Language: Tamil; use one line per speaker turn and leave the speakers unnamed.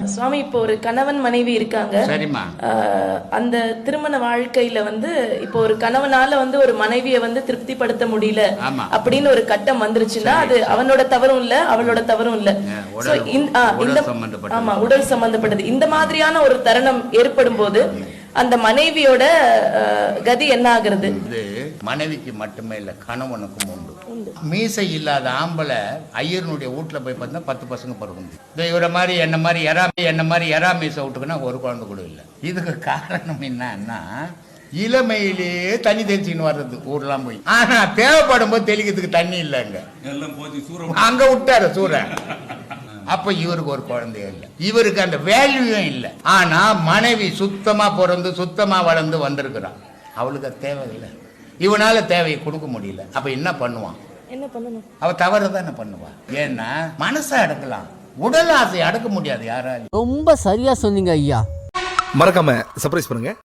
சுவாமி, இப்போ ஒரு கணவன் மனைவி இருக்காங்க.
சரிம்மா.
அந்த திருமண வாழ்க்கையில இப்போ ஒரு கணவனால ஒரு மனைவியை திருப்திப்படுத்த முடியல அப்படின்னு ஒரு கட்டம் வந்துருச்சுன்னா, அது அவனோட தவறும் இல்ல, அவளோட தவறும் இல்ல. ஆமா, உடல் சம்பந்தப்பட்டது. இந்த மாதிரியான ஒரு தருணம் ஏற்படும் போது அந்த மனைவியோட கதி என்ன ஆகுறது?
மனைவிக்கு மட்டுமே இல்ல, கணவனுக்கும் உண்டு. மீசை இல்லாத ஆம்பளை ஐயருடைய வீட்டுல போய் பார்த்தா 10 பசங்க பிறகுண்டு. இவரை மாதிரி என்ன மாதிரி எறா மீசை விட்டுக்குன்னா ஒரு குழந்தை கூட இல்லை. இதுக்கு காரணம் என்னன்னா, இளமையிலேயே தண்ணி தெளிச்சுன்னு வர்றது ஊர்லாம் போய். ஆனா தேவைப்படும் போது தெளிக்கிறதுக்கு தண்ணி இல்லைங்க, அங்க விட்டாரு சூரன். அப்ப இவருக்கு ஒரு குழந்தைய இல்லை, இவருக்கு அந்த வேல்யூயும் இல்லை. ஆனா மனைவி சுத்தமா பிறந்து சுத்தமா வளர்ந்து வந்திருக்கிறான், அவளுக்கு அது தேவை இல்லை, இவனால தேவையை கொடுக்க முடியல. அப்ப என்ன பண்ணுவான்?
என்ன பண்ணணும்?
அவ தவறுதான் பண்ணுவா. ஏன்னா மனசை அடக்கலாம், உடல் ஆசை அடக்க முடியாது யாராலும்.
ரொம்ப சரியா சொன்னீங்க ஐயா.
மறக்காம சர்ப்ரைஸ் பண்ணுங்க.